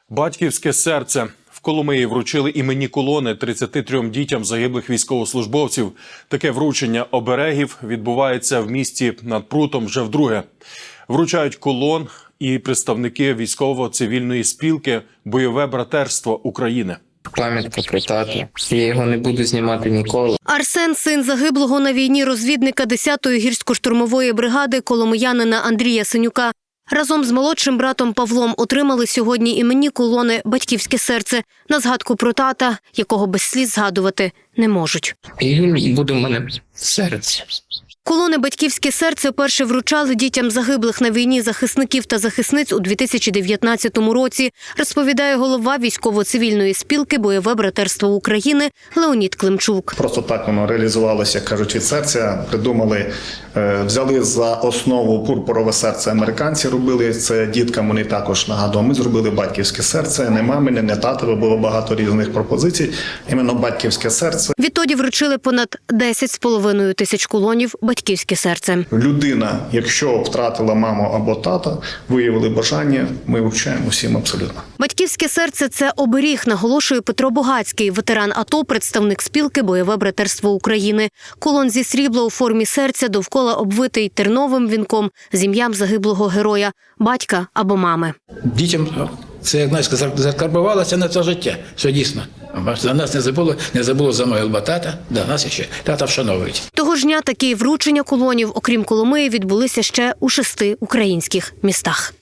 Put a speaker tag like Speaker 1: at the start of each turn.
Speaker 1: Батьківське серце. В Коломиї вручили іменні колони 33 дітям загиблих військовослужбовців. Таке вручення оберегів відбувається в місті над Прутом вже вдруге. Вручають колон і представники військово-цивільної спілки «Бойове братерство України».
Speaker 2: Пам'ятка про тата. Я його не буду знімати ніколи.
Speaker 3: Арсен – син загиблого на війні розвідника 10-ї гірсько-штурмової бригади коломиянина Андрія Синюка. Разом з молодшим братом Павлом отримали сьогодні іменні колони «Батьківське серце» на згадку про тата, якого без сліз згадувати не можуть.
Speaker 2: І він буде в мене в серці.
Speaker 3: Колони «Батьківське серце» перше вручали дітям загиблих на війні захисників та захисниць у 2019 році, розповідає голова військово-цивільної спілки «Бойове братерство України» Леонід Климчук.
Speaker 4: Просто так воно реалізувалося, як кажуть, від серця. Придумали, взяли за основу пурпурове серце. Американці робили це діткам, вони також нагадували. Ми зробили батьківське серце, не мамине, не татове, було багато різних пропозицій. Іменно батьківське серце.
Speaker 3: Відтоді вручили понад 10,5 тисяч колонів «Батьківське серце».
Speaker 4: Людина, якщо втратила маму або тата, виявили бажання, ми вручаємо всім абсолютно.
Speaker 3: «Батьківське серце» – це оберіг, наголошує Петро Богацький, ветеран АТО, представник спілки «Бойове братерство України». Колон зі срібла у формі серця довкола обвитий терновим вінком з ім'ям загиблого героя, батька або мами.
Speaker 5: Дітям це, як закарбувалося на це життя, що дійсно. За нас не забуло за могилу тата, да, нас ще тата вшановують.
Speaker 3: Того ж дня такі вручення колонів, окрім Коломиї, відбулися ще у 6 українських містах.